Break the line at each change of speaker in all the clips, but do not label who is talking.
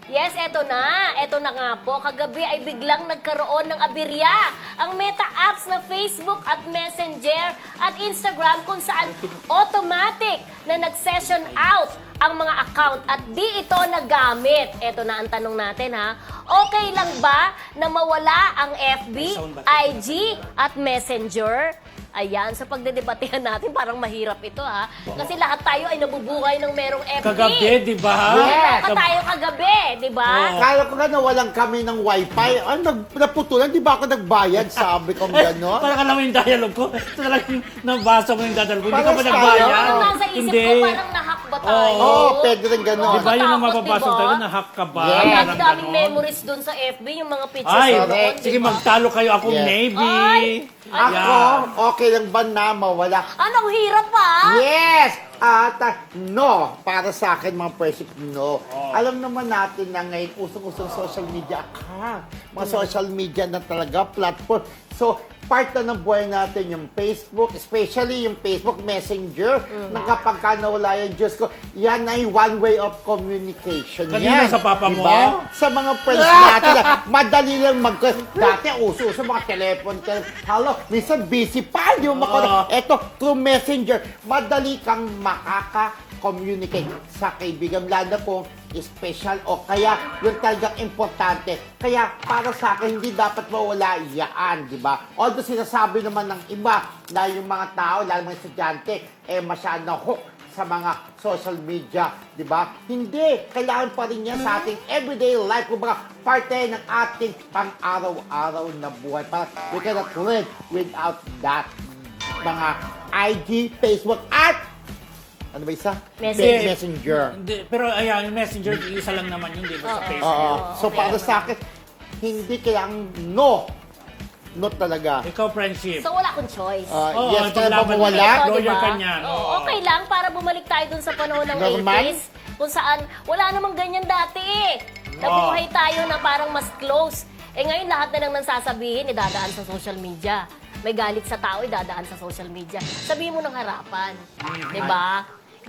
Yes, eto na. Eto na nga po. Kagabi ay biglang nagkaroon ng aberya ang meta apps na Facebook at Messenger at Instagram kung saan automatic na nag-session out ang mga account at di ito nagamit. Eto na ang tanong natin ha. Okay lang ba na mawala ang FB, IG at Messenger? Ayan, sa pagdedebatehan natin, parang mahirap ito ha. Kasi lahat tayo ay nabubuhay ng merong FB.
Kagabi, di ba?
Lahat tayo kagabi, di ba?
Kala ko nga nawalan kami ng wifi. Ay, naputulan. Di ba ako nagbayad? Sabi ko gano'n.
Parang alam mo yung dialogue ko. Talagang nabasa mo yung dialogue ko. Hindi ka ba
Parang
nagbayad?
Parang nasa isip
Hindi.
ko, parang nahack ba tayo?
Oo, pwede rin gano'n.
Di ba yun ang
Nakakatakot,
mapapasok
diba?
tayo? Nahack ka ba?
Yeah.
Ang
Parang
daming
ganon.
memories dun sa FB, yung mga pictures
Ay,
doon,
sige
di ba?
magtalo kayo. Ako
Yes.
Navy.
Ay!
Ako, okay lang ba na mawala?
Anong hirap pa?
Yes! No. Para sa akin, mga friendship, no. Alam naman natin na ngayon, usong-usong social media ka. Mga social media na talaga, platform. So, part na ng buhay natin yung Facebook, especially yung Facebook Messenger, na kapag ka nawala yung Diyos ko, yan ay one way of communication.
Kanina
yan.
sa papa mo?
Diba? Sa mga friends natin, madali lang dati uso-uso mga telephone. Hello, minsan busy pa, di mo Eto, through Messenger, madali kang makaka-communicate sa kaibigan, lalo kung special o kaya yung talagang importante. Kaya para sa akin, hindi dapat mawala yan, di ba? Although sinasabi naman ng iba na yung mga tao, lalo mga estudyante, masyadong hook sa mga social media, di ba? Hindi. Kailangan pa rin yan sa ating everyday life. Kung baka parte ng ating pang-araw-araw na buhay. Para we cannot live without that. Mga IG, Facebook, at ano ba isa? Messenger.
Hindi, pero ayan, yung Messenger, isa lang naman yun, di ba? Sa Facebook.
Oo. So
okay.
para sa akin, hindi kailangan no. No talaga.
Ikaw, friendship.
So wala akong choice.
Oo,
Yes,
ito
kaya ba
laban
mawala?
mo.
Ito,
Lawyer
diba?
ka niyan,
Oo,
oo.
okay lang para bumalik tayo dun sa panahon ng
Normal?
80s kung saan wala namang ganyan dati eh. Nabuhay tayo na parang mas close. Eh ngayon lahat na lang sasabihin, idadaan sa social media. May galit sa tao, idadaan sa social media. Sabihin mo ng harapan. Diba?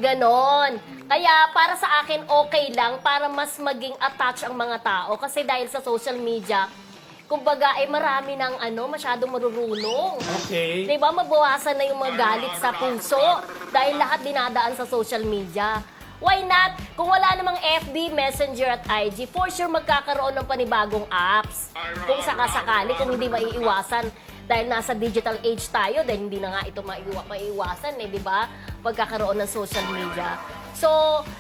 Ganon. Kaya para sa akin, okay lang para mas maging attached ang mga tao. Kasi dahil sa social media, kumbaga marami ng masyadong marurunong.
Okay.
Diba, mabawasan na yung mga galit sa puso dahil lahat dinadaan sa social media. Why not? Kung wala namang FB, Messenger at IG, for sure magkakaroon ng panibagong apps. Kung sakasakali, kung hindi maiiwasan. Dahil nasa digital age tayo, dahil hindi na nga ito maiiwasan, di ba? Pagkakaroon ng social media. So,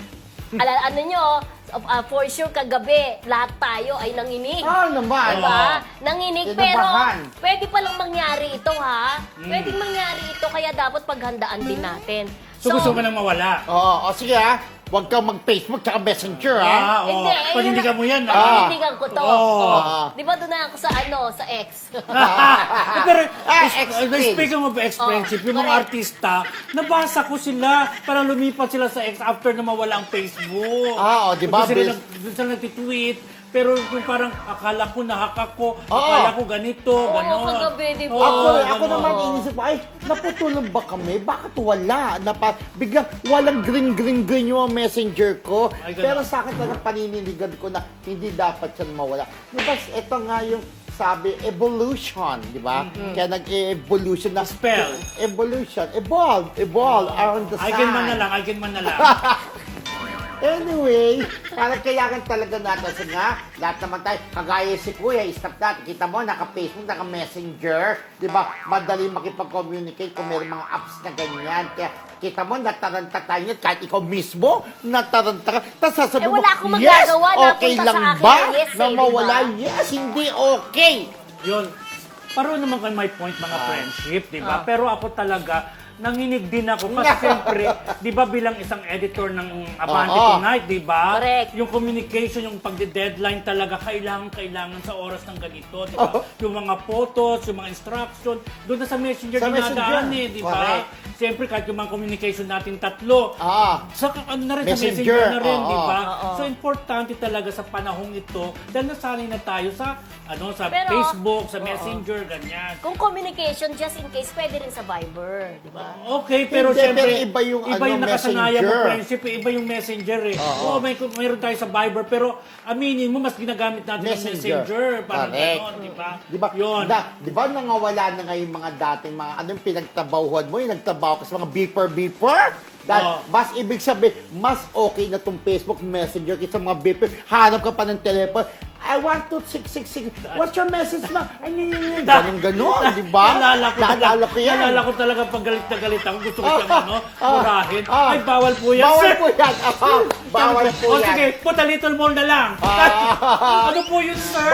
ano nyo, for sure kagabi, lahat tayo ay nanginig.
Naman.
Diba? Nanginig, pero
Kinabahan.
pwede palang mangyari ito, ha? Pwede mangyari ito, kaya dapat paghandaan din natin.
So, gusto mo nang mawala?
Oo, sige ha. Huwag kang mag-Facebook tsaka Messenger ha.
Hindi,
Panindigan mo yan.
Panindigan ko to.
Oo.
Di ba doon na ako sa X?
Pero,
X-Friends.
speaking of ex-friendship, yung mga
correct.
artista, nabasa ko sila, parang lumipat sila sa X after na mawala ang Facebook.
Di ba?
Doon sila nagtitweet, pero yung parang akala ko nahack ako, akala ko ganito,
Oo,
gano'n.
kagabi, di ba?
Ako naman inisip ko, ay, naputulan ba kami? Bakit wala? Biglang walang green yung messenger ko.
Ay, ganun.
Pero sa akin talagang paniniligan ko na hindi dapat yan mawala. Diba, ito nga yung sabi, evolution, di ba? Kaya nag-evolution na
Spell.
Evolution. Evolve around the sun.
I can man na lang.
Anyway, parang kailangan talaga natin. Kasi nga, lahat naman tayo, kagaya si Kuya, stop natin. Kita mo, naka-Facebook, naka-Messenger. Di ba? Madali makipag-communicate kung may mga apps na ganyan. Kaya, kita mo, nataranta tayo niyan. Kahit ikaw mismo, nataranta ka. Tapos sasabihin mo,
wala akong
yes,
magagawa.
okay
Napunta
lang
sa akin
ba?
na yes,
Na mawala,
diba?
yes, hindi okay.
Yun. Pareho naman kan my point mga friendship, di ba? Pero ako talaga, nanginig din ako kasi siyempre, di ba bilang isang editor ng Abante Tonight, di ba?
Correct.
Yung communication, yung pagde-deadline talaga, kailangan sa oras ng ganito, di ba? Yung mga photos, yung mga instruction, doon na sa Messenger
Sa
dinadaan
Messenger.
di ba?
Correct.
Siyempre, kahit yung mga communication natin tatlo, sa, ano na rin, sa
Messenger.
Messenger na rin, di ba?
Oo.
So, importante talaga sa panahong ito dahil nasanay na tayo sa sa
Pero-
Facebook, sa Messenger, ganyan.
Kung communication, just in case, pwede rin sa Viber, di ba?
Okay, pero
Hindi,
siyempre,
pero iba yung,
nakasanayan mo,
Messenger.
friendship, iba yung Messenger eh. Oo, mayroon tayo sa Viber, pero aminin mo, mas ginagamit natin ang Messenger. Parang
Correct.
gano'n, di ba?
Di ba?
Yun.
Di ba nangawala na ngayon mga dating mga anong pinagtabahuhan mo, yung nagtabaho ka sa mga beeper? Dahil
Oo.
mas ibig sabihin, mas okay na tong Facebook Messenger kaysa mga beeper. Hanap ka pa ng telepono. I want to 666. What's your message na? Ay, ganon, di ba? Naalala ko yan.
Naalala ko talaga pag galit na galit ako. Gusto ko siyang murahin.
Ah.
Ay, bawal po yan,
Bawal
sir.
po yan. Bawal po
O
yan.
sige, put a little more na lang.
Ah.
Ano po yun, sir?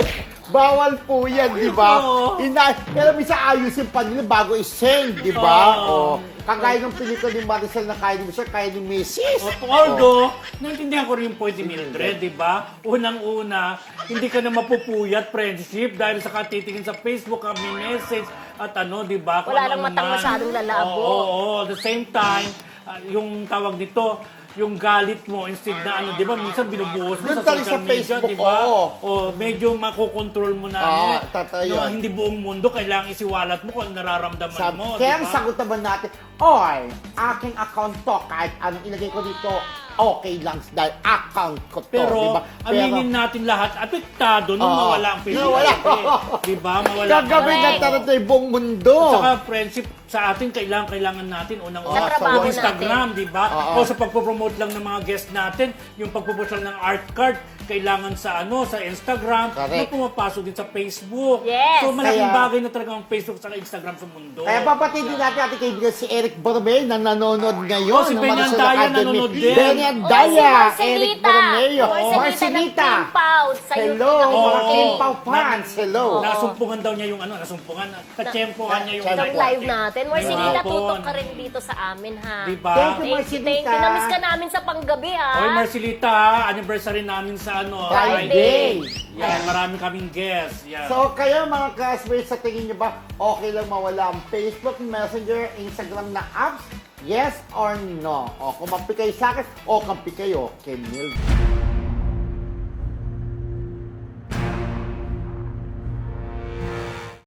Bawal po yan, di ba?
Oo.
Pero minsan ayusin pa nila bago i-send, di ba?
Oo.
Kagaya ng pelikula ni Maricel na kaya ni Mr. kaya ni Mrs.
Although, naintindihan ko rin yung point ni Mildred, di ba? Unang-una, hindi ka na mapupuyat, friendship, dahil sa katitingin sa Facebook, kami message, at di ba? Kung
Wala
ano
nang matang
naman.
masyadong lalabo.
Oo, at the same time, yung tawag nito, yung galit mo instead na di ba minsan binubuhos mo
Doon
sa
tayo
social
sa
media,
Facebook,
di ba?
oo.
O medyo makokontrol mo na
totoo yun.
hindi buong mundo kailangan isiwalat mo kung ano nararamdaman mo,
Kaya ang
di ba?
sagot naman natin, oy, aking account to, kahit anong ilagay ko dito, okay lang dahil account ko to,
Pero,
di ba?
aminin natin lahat, apektado nung
Oo.
mawala ang Facebook.
Nawala.
Di ba? Mawala ang
Gagawin na
Correct.
tarot yung buong mundo.
Saka friendship sa atin, kailangan natin unang-una
Sa trabaho
sa Instagram, di ba?
Oo.
O sa pagpo-promote lang ng mga guest natin, yung pagpo-post lang ng art card, kailangan sa sa Instagram,
Correct.
na pumapasok din sa Facebook.
Yes.
So malaking
Kaya-
bagay na talaga ang Facebook sa Instagram sa mundo.
Kaya papatid din natin ating kaibigan si Eric Bormeo na nanonood ngayon.
Oh, si
ng
Benny
Maricel
Andaya
Academy.
nanonood din.
Benny Andaya, Eric Bormeo.
Marcelita ng Team Pout sa
Hello,
YouTube.
mga
Oo.
Team Pau fans. Hello.
Nasumpungan daw niya yung katsyempohan niya yung
Itong live natin. Marcelita,
Hapon.
tutok ka rin dito sa amin, ha?
Di ba?
Thank you,
Thank you,
Marcelita.
thank you. Namiss ka namin sa panggabi, ha?
Oy, Marcelita, ha? Anniversary namin sa
Friday.
Yan, marami kaming guests. Yan.
So, kayo mga classmates, sa tingin nyo ba, okay lang mawala ang Facebook, Messenger, Instagram na apps? Yes or no? O, kumampi kayo sa akin, o kampi kayo kay Mildred.